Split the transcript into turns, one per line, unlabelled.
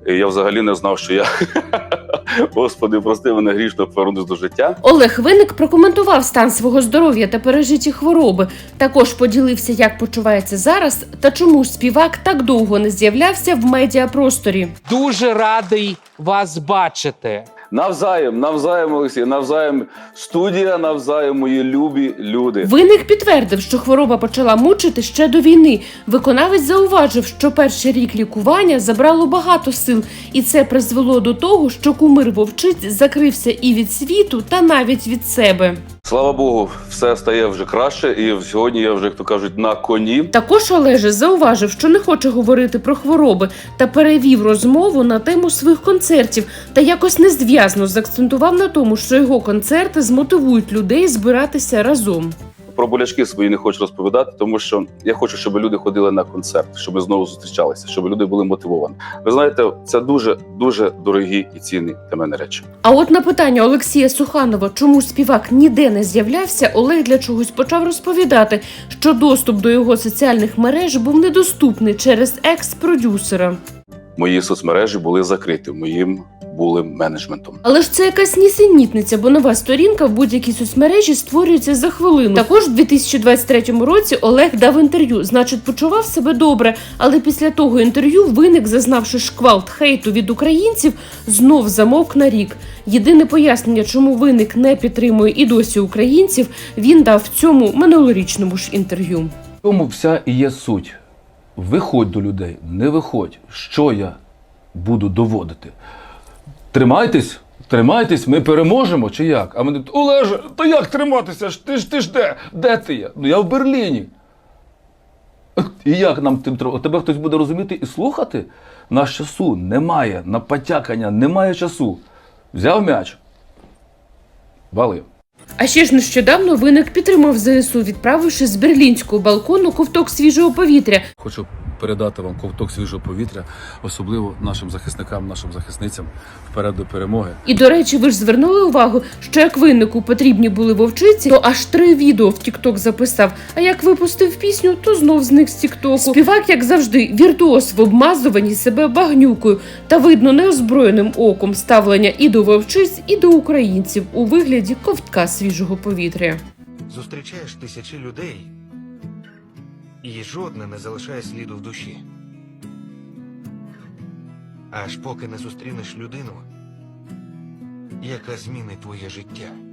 І я взагалі не знав, що я, Господи, прости мене, грішно повернусь до життя.
Олег Винник прокоментував стан свого здоров'я та пережиті хвороби. Також поділився, як почувається зараз та чому ж співак так довго не з'являвся в медіапросторі.
Дуже радий вас бачити.
Навзаєм, Олексій, навзаєм студія, навзаєм мої любі люди.
Винник підтвердив, що хвороба почала мучити ще до війни. Виконавець зауважив, що перший рік лікування забрало багато сил, і це призвело до того, що кумир Вовчиць закрився і від світу, та навіть від себе.
Слава Богу, все стає вже краще, і сьогодні я вже, як то кажуть, на коні.
Також Олеже зауважив, що не хоче говорити про хвороби та перевів розмову на тему своїх концертів та якось незв'язно заакцентував на тому, що його концерти змотивують людей збиратися разом.
Про болячки свої не хочу розповідати, тому що я хочу, щоб люди ходили на концерт, щоб ми знову зустрічалися, щоб люди були мотивовані. Ви знаєте, це дуже дорогі і цінні для мене речі.
А от на питання Олексія Суханова, чому співак ніде не з'являвся, Олег для чогось почав розповідати, що доступ до його соціальних мереж був недоступний через екс-продюсера.
Мої соцмережі були закриті моїм менеджментом.
Але ж це якась нісенітниця, бо нова сторінка в будь-якій соцмережі створюється за хвилину. Також у 2023 році Олег дав інтерв'ю, значить почував себе добре, але після того інтерв'ю Винник, зазнавши шквалт хейту від українців, знов замовк на рік. Єдине пояснення, чому Винник не підтримує і досі українців, він дав в цьому минулорічному ж інтерв'ю.
В цьому вся і є суть. Виходь до людей, не виходь. Що я буду доводити? Тримайтесь, ми переможемо, чи як? А мене, Олеже, та як триматися? Ти ж де? Де ти є? Ну я в Берліні. І як нам тим треба? Тебе хтось буде розуміти і слухати? Нас часу немає, на потякання немає часу. Взяв м'яч, валив.
А ще ж нещодавно Винник підтримав ЗСУ, відправивши з берлінського балкону ковток свіжого повітря.
Хочу передати вам ковток свіжого повітря, особливо нашим захисникам, нашим захисницям вперед до перемоги.
І, до речі, ви ж звернули увагу, що як Виннику потрібні були вовчиці, то аж 3 відео в Тік-Ток записав, а як випустив пісню, то знов зник з Тік-Току. Співак, як завжди, віртуоз в обмазуванні себе багнюкою та видно неозброєним оком ставлення і до вовчиць, і до українців у вигляді ковтка свіжого повітря.
Зустрічаєш тисячі людей, і жодне не залишає сліду в душі. Аж поки не зустрінеш людину, яка змінить твоє життя.